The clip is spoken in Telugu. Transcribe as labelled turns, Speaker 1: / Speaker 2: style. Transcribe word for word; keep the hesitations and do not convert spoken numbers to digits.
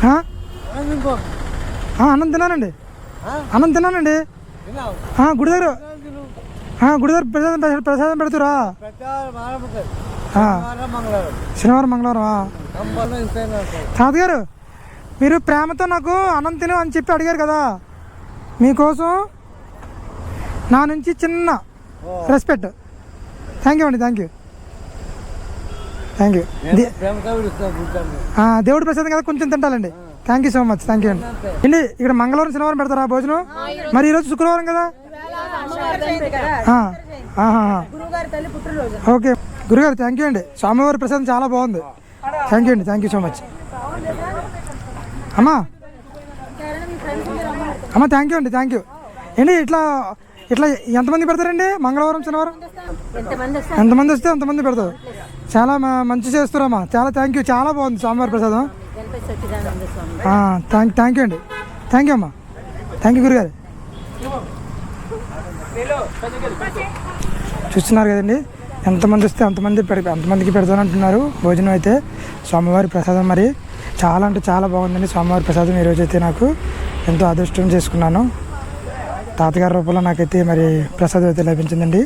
Speaker 1: అన్నం తిన్నానండి, అన్నం తిన్నానండి. గుడి దగ్గర గుడి దగ్గర ప్రసాదం ప్రసాదం పెడతారా? శనివారం మంగళవారం. తాతగారు మీరు ప్రేమతో నాకు అన్నం తిను అని చెప్పి అడిగారు కదా, మీకోసం నా నుంచి చిన్న రెస్పెక్ట్. థ్యాంక్ యూ అండి, థ్యాంక్ యూ థ్యాంక్ యూ. దేవుడి ప్రసాదం కదా, కొంచెం తింటాలండి. Thank you so much, thank you అండి. అండి ఇక్కడ మంగళవారం శనివారం పెడతారా భోజనం? మరి ఈరోజు శుక్రవారం కదా. ఓకే గురుగారు, థ్యాంక్ యూ అండి. స్వామివారి ప్రసాదం చాలా బాగుంది. థ్యాంక్ యూ అండి, థ్యాంక్ యూ సో మచ్. అమ్మా అమ్మ థ్యాంక్ యూ అండి, థ్యాంక్ యూ. ఏంటి ఇట్లా ఇట్లా ఎంతమంది పెడతారండి మంగళవారం శనివారం? ఎంతమంది వస్తే అంతమంది పెడతారు. చాలా మంచి చేస్తారమ్మా, చాలా థ్యాంక్ యూ. చాలా బాగుంది స్వామివారి ప్రసాదం. థ్యాంక్ థ్యాంక్ యూ అండి, థ్యాంక్ యూ అమ్మా, థ్యాంక్ యూ గురుగారు. చూస్తున్నారు కదండి, ఎంతమంది వస్తే అంతమంది పెడ అంతమందికి పెడతానంటున్నారు భోజనం అయితే. స్వామివారి ప్రసాదం మరి చాలా అంటే చాలా బాగుందండి స్వామివారి ప్రసాదం. ఈరోజు అయితే నాకు ఎంతో అదృష్టం చేసుకున్నాను. తాతగారి రూపంలో నాకైతే మరి ప్రసాదం అయితే లభించిందండి.